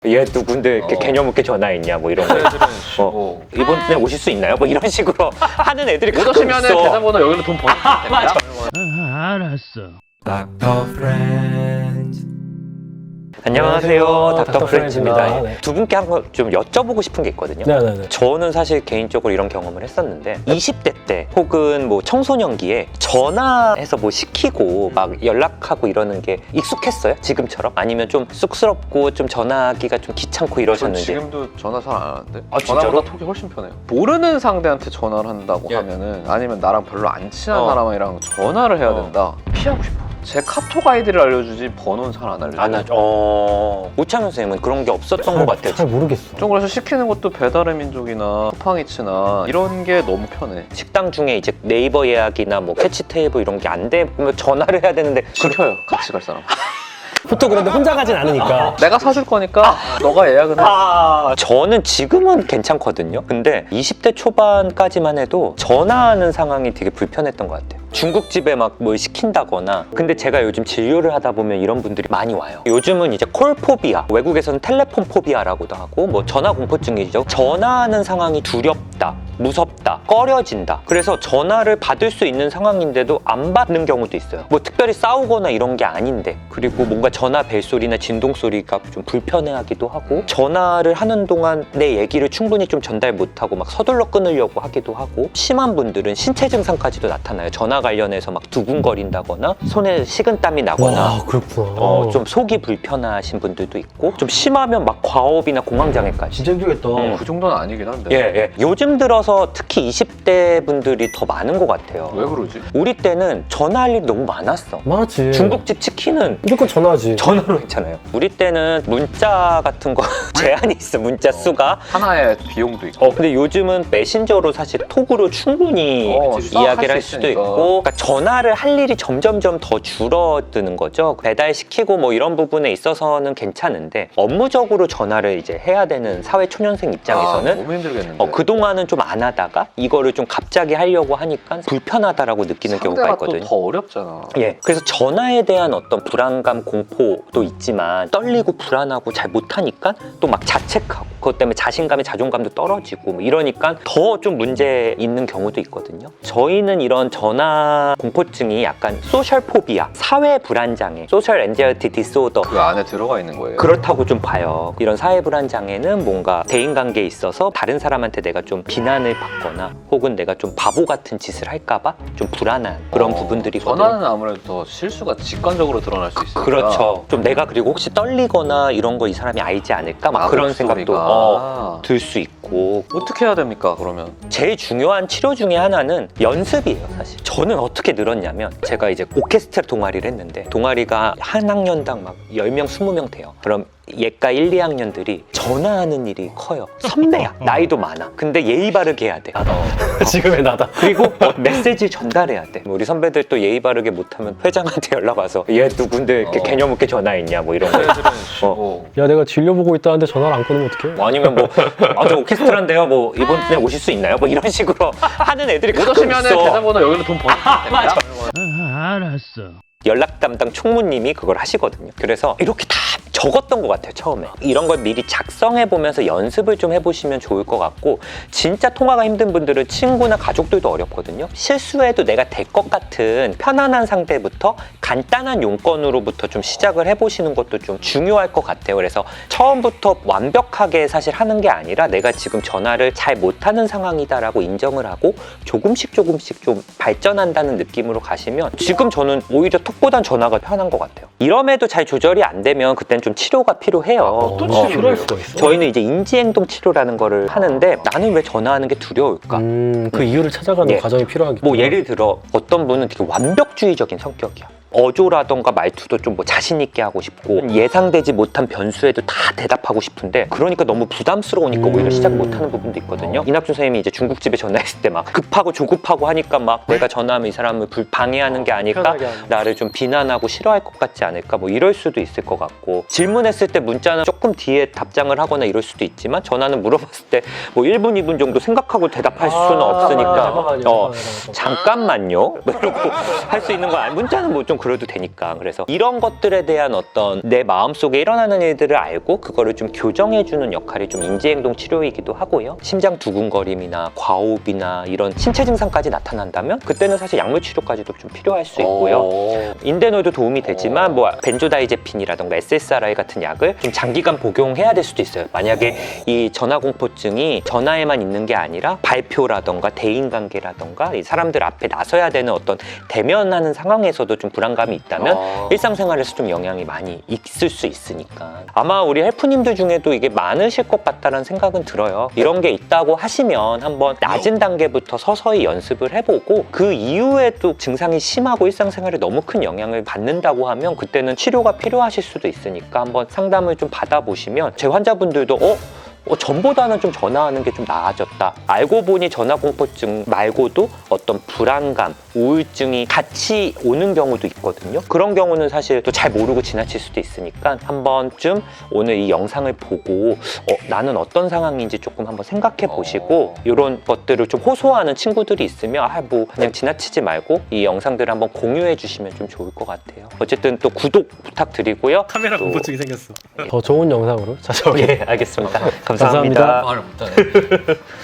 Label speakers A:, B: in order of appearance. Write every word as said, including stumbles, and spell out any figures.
A: 얘 누군데 이렇게
B: 어.
A: 개념 없게 전화했냐 뭐 이런 거.
B: 애들은
A: 어,
B: 뭐
A: 이번에 오실 수 있나요? 뭐 이런 식으로 하는 애들이
B: 못
A: 가끔
B: 오시면
A: 있어.
B: 계좌번호 여기로 돈 보내주시면 됩니다.
C: 아, 알았어.
D: 닥터 프렌즈.
A: 안녕하세요,
D: 안녕하세요.
A: 닥터 프렌즈입니다.
D: 닥터 프렌즈입니다. 네.
A: 두 분께 한번 좀 여쭤보고 싶은 게 있거든요.
D: 네네네.
A: 저는 사실 개인적으로 이런 경험을 했었는데 이십 대 때 혹은 뭐 청소년기에 전화해서 뭐 시키고 막 연락하고 이러는 게 익숙했어요? 지금처럼? 아니면 좀 쑥스럽고 좀 전화하기가 좀 귀찮고
B: 전
A: 이러셨는지.
B: 지금도 전화 잘 안 하는데.
A: 아, 진짜로?
B: 전화보다 톡이 훨씬 편해요. 모르는 상대한테 전화를 한다고
A: 예.
B: 하면은 아니면 나랑 별로 안 친한
A: 어.
B: 사람이랑 전화를 해야
A: 어.
B: 된다. 피하고 싶어. 제 카톡 아이디를 알려주지 번호는 잘 안 알려줘.
A: 안 하죠. 어... 우창현 선생님은 그런 게 없었던 것 같아요.
D: 잘 모르겠어.
B: 좀 그래서 시키는 것도 배달의 민족이나 쿠팡이츠나 이런 게 너무 편해.
A: 식당 중에 이제 네이버 예약이나 뭐 캐치 테이블 이런 게 안 되면 전화를 해야 되는데
B: 시켜요. 같이 갈 사람.
D: 보통 그런데 혼자 가진 않으니까.
B: 내가 사줄 거니까 너가 예약은 해.
A: 아, 저는 지금은 괜찮거든요. 근데 이십 대 초반까지만 해도 전화하는 상황이 되게 불편했던 것 같아요. 중국집에 막 뭘 시킨다거나. 근데 제가 요즘 진료를 하다 보면 이런 분들이 많이 와요. 요즘은 이제 콜포비아, 외국에서는 텔레폰 포비아라고도 하고 뭐 전화 공포증이죠. 전화하는 상황이 두렵다, 무섭다, 꺼려진다. 그래서 전화를 받을 수 있는 상황인데도 안 받는 경우도 있어요. 뭐 특별히 싸우거나 이런 게 아닌데. 그리고 뭔가 전화 벨소리나 진동 소리가 좀 불편해하기도 하고, 전화를 하는 동안 내 얘기를 충분히 좀 전달 못하고 막 서둘러 끊으려고 하기도 하고, 심한 분들은 신체 증상까지도 나타나요. 전화 관련해서 막 두근거린다거나 손에 식은땀이 나거나
D: 와, 그렇구나.
A: 어, 좀 속이 불편하신 분들도 있고, 좀 심하면 막 과업이나 공황장애까지.
D: 진짜 힘들겠다.
A: 음.
B: 그 정도는 아니긴 한데.
A: 예, 예. 요즘 들어서 특히 이십 대 분들이 더 많은 것 같아요.
B: 왜 그러지?
A: 우리 때는 전화할 일이 너무 많았어.
D: 많았지.
A: 중국집 치킨은
D: 무조건 전화하지.
A: 전화로 했잖아요. 우리 때는 문자 같은 거 제한이 있어, 문자 수가.
B: 하나의 비용도 있고.
A: 어, 근데 요즘은 메신저로 사실 톡으로 충분히
B: 어,
A: 이야기를
B: 할
A: 할
B: 수
A: 수도
B: 있으니까.
A: 있고, 그러니까 전화를 할 일이 점점점 더 줄어드는 거죠. 배달시키고 뭐 이런 부분에 있어서는 괜찮은데, 업무적으로 전화를 이제 해야 되는 사회 초년생 입장에서는
B: 아, 너무 힘들겠는데.
A: 어, 그동안은 좀 안 하다가 이거를 좀 갑자기 하려고 하니까 불편하다라고 느끼는 경우가
B: 상대가
A: 있거든요.
B: 또 더 어렵잖아.
A: 예, 그래서 전화에 대한 어떤 불안감, 공포도 있지만 떨리고 불안하고 잘 못하니까 또 막 자책하고, 그것 때문에 자신감의 자존감도 떨어지고 뭐 이러니까 더 좀 문제 있는 경우도 있거든요. 저희는 이런 전화 공포증이 약간 소셜 포비아, 사회 불안장애, 소셜 엔자이티 디스오더,
B: 그 안에 들어가 있는 거예요.
A: 그렇다고 좀 봐요. 이런 사회 불안장애는 뭔가 대인관계에 있어서 다른 사람한테 내가 좀 비난을 받거나 혹은 내가 좀 바보 같은 짓을 할까봐 좀 불안한 그런
B: 어,
A: 부분들이거든요.
B: 전화는 아무래도 더 실수가 직관적으로 드러날 수 있으니까.
A: 그렇죠. 좀 내가 그리고 혹시 떨리거나 이런 거 이 사람이 알지 않을까 막
B: 아,
A: 그런
B: 목소리가.
A: 생각도 어, 들 수 있고.
B: 어떻게 해야 됩니까 그러면?
A: 제일 중요한 치료 중에 하나는 연습이에요, 사실. 저는 어떻게 늘었냐면, 제가 이제 오케스트라 동아리를 했는데 동아리가 한 학년당 막 열 명, 스무 명 돼요. 그럼 예과 일, 이 학년들이 전화하는 일이 커요. 선배야. 나이도 많아. 근데 예의 바르게 해야 돼.
D: 지금의 나다.
A: 그리고 어, 메시지 전달해야 돼. 우리 선배들 또 예의 바르게 못하면 회장한테 연락 와서 얘 누군데 이렇게
B: 어.
A: 개념 없게 전화했냐 뭐 이런 거.
B: 애들은
A: 어.
B: 뭐
D: 야, 내가 진료 보고 있다는데 전화를 안 끊으면 어떡해?
A: 뭐 아니면 뭐, 아, 저 오케스트라인데요. 뭐, 이번에 오실 수 있나요? 뭐 이런 식으로 하는 애들이
B: 못
A: 가끔
B: 오시면
A: 있어.
B: 계좌번호 여기로 돈 보내주시면 됩니다.
C: 아, 알았어.
A: 연락 담당 총무님이 그걸 하시거든요. 그래서 이렇게 다 적었던 것 같아요, 처음에. 이런 걸 미리 작성해 보면서 연습을 좀 해보시면 좋을 것 같고, 진짜 통화가 힘든 분들은 친구나 가족들도 어렵거든요. 실수해도 내가 될 것 같은 편안한 상태부터 간단한 용건으로부터 좀 시작을 해보시는 것도 좀 중요할 것 같아요. 그래서 처음부터 완벽하게 사실 하는 게 아니라 내가 지금 전화를 잘 못하는 상황이다라고 인정을 하고 조금씩 조금씩 좀 발전한다는 느낌으로 가시면, 지금 저는 오히려 톡보단 전화가 편한 것 같아요. 이럼에도 잘 조절이 안 되면 그땐 좀 치료가 필요해요.
D: 어떤
A: 어,
D: 치료를 할 수가 있어?
A: 저희는 이제 인지행동 치료라는 거를 하는데, 나는 왜 전화하는 게 두려울까?
D: 음, 그 이유를 찾아가는
A: 예.
D: 과정이 필요하겠다.
A: 뭐 예를 들어 어떤 분은 되게 완벽주의적인 성격이야. 어조라던가 말투도 좀 뭐 자신 있게 하고 싶고, 예상되지 못한 변수에도 다 대답하고 싶은데, 그러니까 너무 부담스러우니까
D: 음.
A: 오히려 시작 못하는 부분도 있거든요. 이낙준 선생님이 이제 중국집에 전화했을 때 막 급하고 조급하고 하니까 막 내가 전화하면 이 사람을 불 방해하는 게 아닐까,
D: 편하게 하는.
A: 나를 좀 비난하고 싫어할 것 같지 않을까, 뭐 이럴 수도 있을 것 같고, 질문했을 때 문자는 조금 뒤에 답장을 하거나 이럴 수도 있지만, 전화는 물어봤을 때 뭐 일 분, 이 분 정도 생각하고 대답할 수는
D: 아,
A: 없으니까
D: 잠깐만요,
A: 어,
D: 잠깐만요, 잠깐만요.
A: 잠깐만요? 뭐 이러고 할 수 있는 거 아니, 문자는 뭐 좀 그래도 되니까. 그래서 이런 것들에 대한 어떤 내 마음속에 일어나는 일들을 알고 그거를 좀 교정해주는 역할이 좀 인지행동 치료이기도 하고요. 심장 두근거림이나 과호흡이나 이런 신체 증상까지 나타난다면 그때는 사실 약물 치료까지도 좀 필요할 수 있고요.
D: 어.
A: 인대노이도 도움이 되지만 뭐 벤조다이제핀이라던가 에스에스아르아이 같은 약을 좀 장기간 복용해야 될 수도 있어요. 만약에 이 전화공포증이 전화에만 있는 게 아니라 발표라던가 대인관계라던가 이 사람들 앞에 나서야 되는 어떤 대면하는 상황에서도 좀 불안감이 있다면
D: 아.
A: 일상생활에서 좀 영향이 많이 있을 수 있으니까 아마 우리 헬프님들 중에도 이게 많으실 것 같다는 생각은 들어요. 이런 게 있다고 하시면 한번 낮은 단계부터 서서히 연습을 해보고 그 이후에 또 증상이 심하고 일상생활에 너무 큰 영향을 받는다고 하면 그때는 치료가 필요하실 수도 있으니까 한번 상담을 좀 받아보시면 제 환자분들도 어? 어, 전보다는 좀 전화하는 게 좀 나아졌다. 알고 보니 전화공포증 말고도 어떤 불안감, 우울증이 같이 오는 경우도 있거든요. 그런 경우는 사실 또 잘 모르고 지나칠 수도 있으니까 한 번쯤 오늘 이 영상을 보고 어, 나는 어떤 상황인지 조금 한번 생각해 보시고 이런 것들을 좀 호소하는 친구들이 있으면 아, 뭐 그냥 지나치지 말고 이 영상들을 한번 공유해 주시면 좀 좋을 것 같아요. 어쨌든 또 구독 부탁드리고요.
E: 카메라
A: 또-
E: 공포증이 생겼어.
D: 더 좋은 영상으로 찾아오게.
A: 예, 알겠습니다. 감사합니다.
D: 감사합니다.
E: 말을 못하네.